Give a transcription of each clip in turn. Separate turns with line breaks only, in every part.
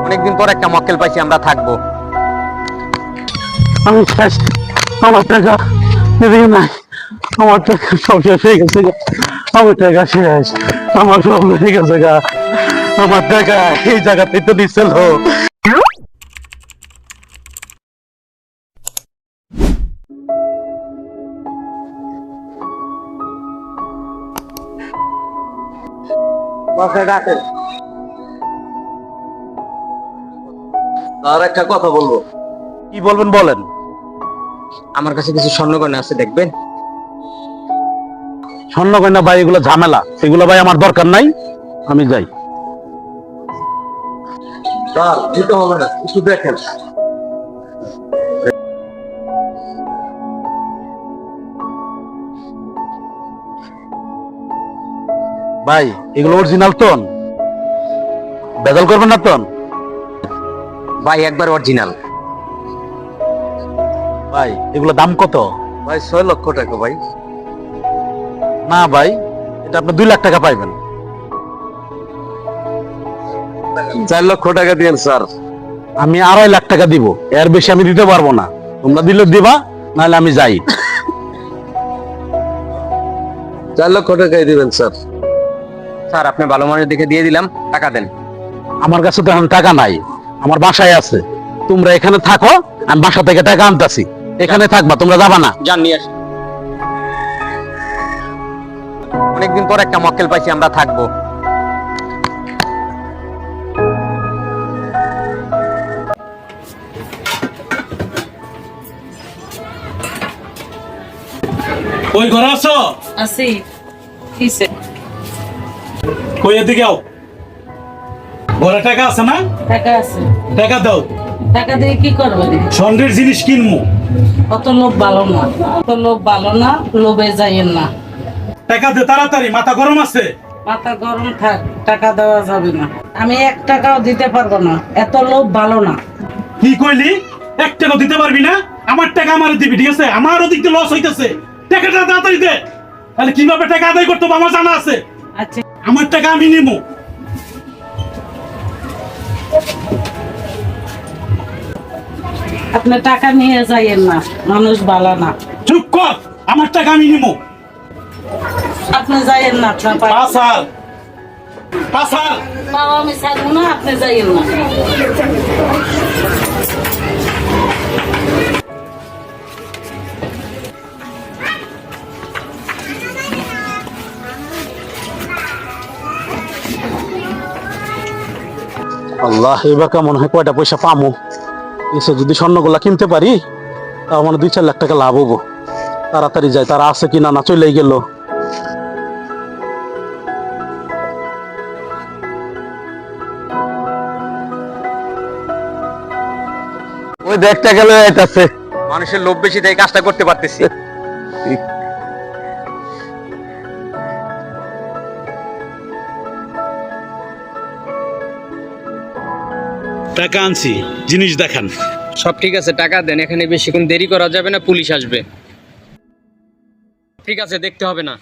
অনেকদিন পর একটা মক্কেল পাইছি, আমরা থাকবো।
আমি শেষ, আমার টাকা এদিকে নাই, আমার টাকা সব শেষ হয়ে গেছে গা। আমার টাকা শেষ, আমার সব হয়ে গেছে গা। আমার টাকা এই জায়গাতে তো দিচ্ছিল।
আর একটা কথা বলবো।
কি বলবেন বলেন।
আমার কাছে কিছু স্বর্ণগয়না আছে, দেখবেন?
স্বর্ণ কন্যা ভাই, এগুলো ঝামেলা, এগুলো ভাই আমার দরকার নাই, আমি যাই।
স্যার দিতে হবে না, একটু দেখেন।
ভাই এগুলো অরিজিনাল টন, বেদল করবেন না টন?
ভাই একবার অরিজিনাল।
ভাই এগুলো দাম কত?
ভাই 6 লক্ষ টাকা ভাই।
না ভাই, এটা আপনি 2 লাখ টাকা পাইবেন।
4 লক্ষ টাকা দিয়েন স্যার।
আমি 2.5 লাখ টাকা দিব, এর বেশি আমি দিতে পারবো না। তোমরা দিলে দিবা, নাহলে আমি যাই।
4 লক্ষ টাকাই দিবেন স্যার।
স্যার আপনি ভালো মানুষ দেখে দিয়ে দিলাম, টাকা দেন।
আমার কাছে তো এখন টাকা নাই, আমার বাসায় আছে। তোমরা এখানে থাকো, আমি বাসা থেকে টাকা আনতাছি। এখানে থাকবা, তোমরা যাবা না।
যান নিয়ে আসেন। অনেকদিন পর একটা মক্কেল পাইছি, আমরা থাকবো।
ওই ঘরে আছো?
আছি। কিসে?
কই এদিকে আও। ঘরে টাকা আছে না?
টাকা আছে।
টাকা দাও।
টাকা দিয়ে কি করবো?
স্বর্ণের জিনিস কিনবো।
অত লোভ ভালো না, অত লোভ ভালো না, লোভে যাইয়েন না।
টাকা দে তাড়াতাড়ি, মাথা গরম আছে।
মাথা গরম থাক, টাকা দেওয়া যাবে না। আমি 1 টাকাও দিতে পারবো না, এত লোভ ভালো না।
কি কইলি? 1 টাকা দিতে পারবি না? আমার টাকা আমার দিবি, ঠিক আছে? আমার ওদিক দিয়ে লস হইতেছে। টাকাটা তাড়াতাড়ি দে। তাহলে কিভাবে টাকা আদায় করতে হবে আমার জানা আছে।
আচ্ছা
আমার টাকা আমি নিবো।
আপনি টাকা নিয়ে যাইয়েন না, মানুষ ভালো না।
চুপ কর, আমার টাকা আমি নিবো।
আপনি যাইয়েন না, আপনার
পাসাল পাসাল।
পাও আমি ছাড়বো না, আপনি যাইয়েন না।
আল্লাহ, এবার মনে হয় কয়টা পয়সা পামো। এসে যদি স্বর্ণগুলা কিনতে পারি, তাও মানে 2-4 লাখ টাকা লাভ হবো। তাড়াতাড়ি যাই, তারা আছে কিনা, না চলেই গেল।
ওই দেখতে গেলে এটাছে।
মানুষের লোভ বেশি, তাই কাজটা করতে পারতেছি।
টাকা আনছি, জিনিস দেখান।
সব ঠিক আছে, টাকা দেন। এখানে বেশিক্ষণ দেরি করা যাবে না, পুলিশ আসবে। ঠিক আছে, দেখতে হবে না।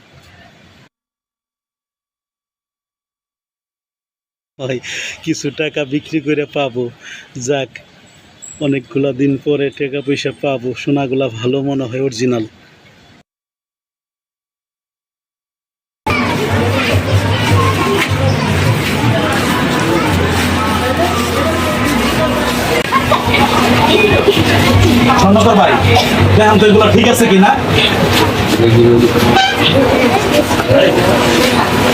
ভাই কিছু টাকা বিক্রি করে পাবো, যাক অনেকগুলা দিন পরে টাকা পয়সা পাবো। সোনাগুলা ভালো মনে হয়, অরিজিনাল। স্বর্ণকর ভাই, দেখেন তো এগুলো ঠিক আছে কিনা।